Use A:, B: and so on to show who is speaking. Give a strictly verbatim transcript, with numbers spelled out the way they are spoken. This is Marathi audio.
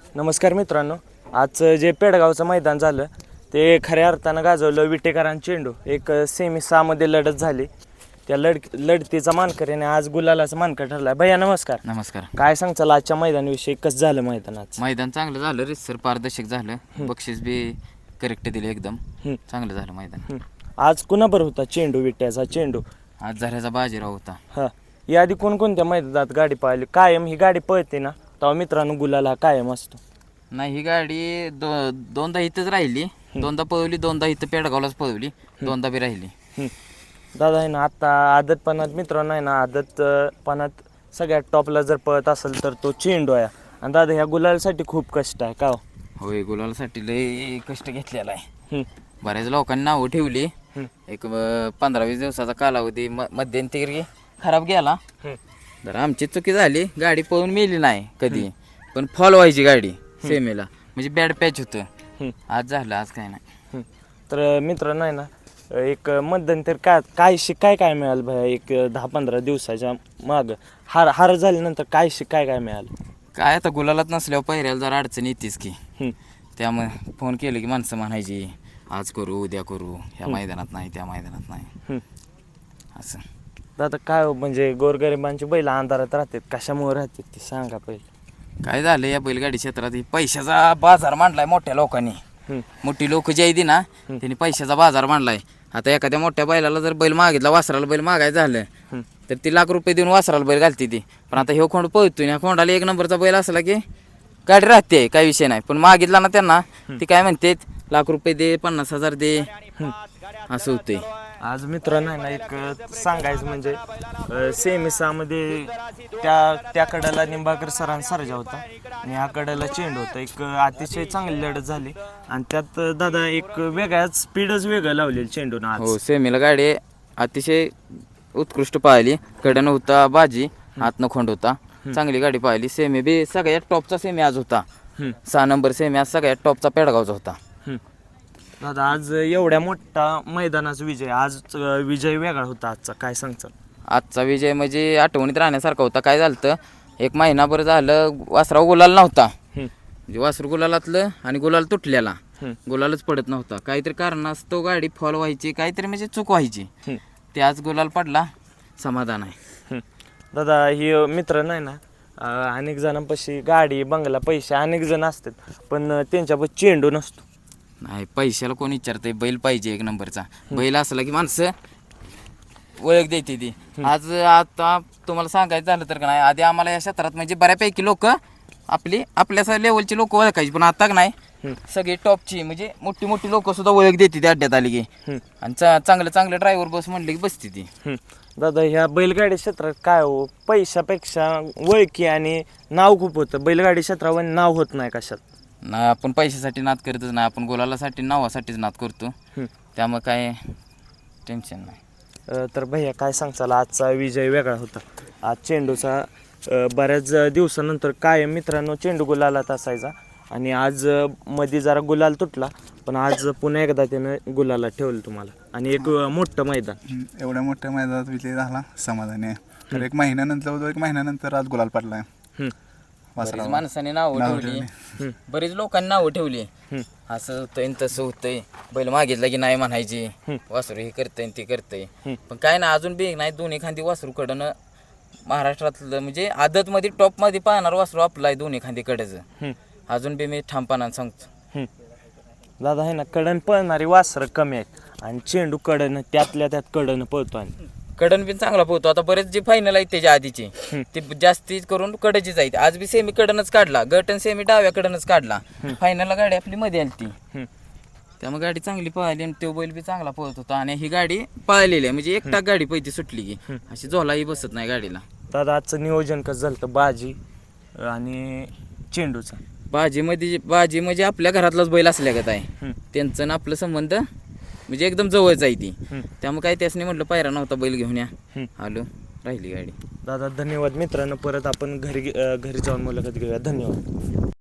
A: नमस्कार मित्रांनो, आजचं जे पेडगावचं मैदान झालं ते खऱ्या अर्थानं गाजवलं विटेकरांचं चेंडू. एक सेमी सहामध्ये लढत झाली. त्या लढ लढतीचा मानकरीने आज गुलालाचा मानकर ठरला. भैया नमस्कार.
B: नमस्कार.
A: काय सांगचाल आजच्या मैदानाविषयी? कसं झालं मैदानाचं?
B: मैदान चांगलं झालं, रितसर पारदर्शक झालं, बक्षीस बी करेक्ट दिले, एकदम चांगलं झालं मैदान.
A: आज कुणाबर होता चेंडू? विट्याचा चेंडू.
B: आज झऱ्याचा बाजीराव होता.
A: हां, याआधी कोणकोणत्या मैदानात गाडी पाहिली? कायम ही गाडी पळते ना, तेव्हा मित्रांनो गुलाल हा कायम असतो.
B: नाही, ही गाडी दो दोनदा इथंच राहिली, दोनदा पळवली, दोनदा इथं पेडगावलाच पळवली, दोनदा बी राहिली.
A: दादा आहे ना, आता आदतपणात मित्रांनो आहे ना, आदतपणात सगळ्यात टॉपला जर पळत असेल तर तो चेंडू आहे. आणि दादा ह्या गुलालसाठी खूप कष्ट आहे का हो?
B: होय, गुलालासाठी लय कष्ट घेतलेला आहे.
A: हं,
B: बऱ्याच लोकांनी नावं ठेवली. एक अं, पंधरा वीस दिवसाचा कालावधी म मध्यंतरी खराब गेला.
A: हं,
B: तर आमची चुकी झाली, गाडी पळून मेली नाही कधी, पण फॉल व्हायची गाडी सेमीला, म्हणजे बॅड पॅच होतं.
A: हं,
B: आज झालं, आज काय नाही.
A: हं. तर मित्रांनो आहे ना, एक मध्यंतर काय काय शिकाय काय मिळालं भैया? एक दहा पंधरा दिवसाच्या मागं हार हार झाल्यानंतर काय शिकाय काय मिळालं?
B: काय आता गुलालात नसल्यावर पहिऱ्याला जरा अडचण येतेच की.
A: हं,
B: त्यामुळे फोन केलं की माणसं म्हणायची आज करू, उद्या करू, ह्या मैदानात नाही, त्या मैदानात नाही,
A: हं.
B: असं.
A: दादा काय हो, म्हणजे गोरगरिबांची बैल अंधारात राहतात, कशामुळे राहतात ते सांगा पहिले.
B: काय झालं या बैलगाडी क्षेत्रात, ही पैशाचा बाजार मांडलाय मोठ्या लोकांनी.
A: हं,
B: मोठी लोक जी आहे ना, त्यांनी पैशाचा बाजार मांडलाय. आता एखाद्या मोठ्या बैलाला जर बैल मागितला, वासराला बैल मागायचं झालं
A: हं,
B: तर ती लाख रुपये देऊन वासराला बैल घालते ती. पण आता ह्यो खोंड पळतोय, ह्या खोंडाला एक नंबरचा बैल असला की गाडी राहते, काही विषय नाही. पण मागितला ना त्यांना, ती काय म्हणते लाख रुपये दे, पन्नास हजार दे, असं होतंय.
A: आज मित्रांनो आहे ना, एक सांगायचं म्हणजे सेमी सहामध्ये त्या त्या कड्याला निंबाळकर सरांचा सर्जा होता आणि ह्या कड्याला चेंडू होता. एक अतिशय चांगली लढत झाली आणि त्यात दादा एक वेगळ्याच स्पीडच वेगळं लावलेलं चेंडून आज.
B: हो, सेमीला गाडी अतिशय उत्कृष्ट पाहिली. कडनं होता बाजी, आतनं खोंड होता, चांगली गाडी पाहिली. सेमी बी सगळ्यात टॉपचा सेमी आज होता.
A: हं,
B: सहा नंबर सेमी आज सगळ्यात टॉपचा पेडगावचा होता.
A: हं. दादा आज एवढ्या मोठा मैदानाचा विजय, आज विजय वेगळा होता आजचा, काय सांगचाल?
B: आजचा विजय म्हणजे आठवणीत राहण्यासारखा होता. काय झालं तर एक महिनाभर झालं वासराव गुलाल नव्हता,
A: हं,
B: म्हणजे वासरू गुलालातलं आणि गुलाल तुटलेला,
A: हं,
B: गुलालच पडत नव्हता. काहीतरी कारणास्तव गाडी फॉल व्हायची, काहीतरी म्हणजे चूक व्हायची.
A: हं,
B: ते आज गुलाल पडला, समाधान आहे.
A: हं. दादा ही मित्र नाही ना, अं, अनेक जणांपाशी गाडी बंगला पैसे अनेक जण असतात, पण त्यांच्यापाशी चेंडू नसतो.
B: नाही, पैशाला कोण विचारतंय? बैल पाहिजे एक नंबरचा. बैल असला की माणसं ओळख देते ती. आज आता तुम्हाला सांगायचं झालं तर का नाही, आधी आम्हाला या क्षेत्रात म्हणजे बऱ्यापैकी लोक आपली आपल्या लेवलची लोक ओळखायची, पण आता का नाही सगळी टॉपची म्हणजे मोठी मोठी लोक सुद्धा ओळख देते ती अड्ड्यात आली की. आणि चा चांगलं चांगलं ड्रायव्हर बस म्हणले की बसते ती.
A: हं. दादा ह्या बैलगाडी क्षेत्रात काय हो, पैशापेक्षा ओळखी आणि नाव खूप होतं. बैलगाडी क्षेत्रावर नाव होत नाही कशात.
B: नाही, आपण पैशासाठी नाद करतच नाही, आपण गुलालासाठी नावासाठीच नाद करतो.
A: हं.
B: त्यामुळे काय टेन्शन नाही.
A: अं, तर भैया काय सांगचाल? आजचा विजय वेगळा होता. आज चेंडूचा अं, बऱ्याच दिवसानंतर काय मित्रांनो चेंडू गुलालात असायचा आणि आज अं, मध्ये जरा गुलाल तुटला, पण आज पुन्हा एकदा त्यानं गुलाला ठेवलं तुम्हाला आणि एक अं, मोठं मैदान.
C: हम्म, एवढ्या मोठ्या मैदानात विजय झाला, समाधानी आहे. तर एक महिन्यानंतर होतो, एक महिन्यानंतर आज गुलाल पडलाय
A: हं,
B: बरीच माणसाने नावं ठेवली, बरीच लोकांनी नावं ठेवली.
A: हं,
B: असं होतंय न तसं होतंय, बैल मागितलं की नाही म्हणायची, वासरू हे करतंय न ते करतंय. पण काय ना, अजून बी नाही, दोन्ही खांदी वासरू कडनं महाराष्ट्रातलं म्हणजे आदतमध्ये टॉपमध्ये पाहणार वासरू आपलं आहे, दोन्ही खांदी कडचं.
A: हं,
B: अजून बी मी ठामपणानं सांगतो.
A: हं. दादा आहे ना, कडन पळणारी वासरं कमी आहेत आणि चेंडू कडनं त्यातल्या त्यात कडनं पळतो आणि
B: कडन बी चांगला पोहतो. आता बरेच जे फायनल आहेत त्याच्या आधीचे ते जास्ती करून कडचीच आहेत. आज बी सेमी कडनच काढला, गट आणि सेमी डाव्या कडनच काढला. फायनलला गाडी आपली मध्ये आली ती,
A: हं,
B: त्यामुळे गाडी चांगली पळाली आणि तो बैल बी चांगला पळत होता. आणि ही गाडी पळालेली आहे, म्हणजे एकटा गाडी पहिली सुटली की अशी झोलाही बसत नाही गाडीला.
A: दादा आजचं नियोजन कसं झालं होतं बाजी आणि चेंडूचं?
B: बाजीमध्ये बाजी म्हणजे आपल्या घरातलाच बैल असल्यागत आहे.
A: हं,
B: त्यांचं ना आपलं संबंध म्हणजे एकदम जवळच आहे ती.
A: हं.
B: त्यामुळे काय त्यासनी म्हटलं पायरा नव्हता, बैल घेऊन या,
A: हं.
B: आलो, राहिली गाडी.
A: दादा धन्यवाद. मित्रांनो परत आपण घरी अं, घरी जाऊन मुलाखत घेऊया. धन्यवाद.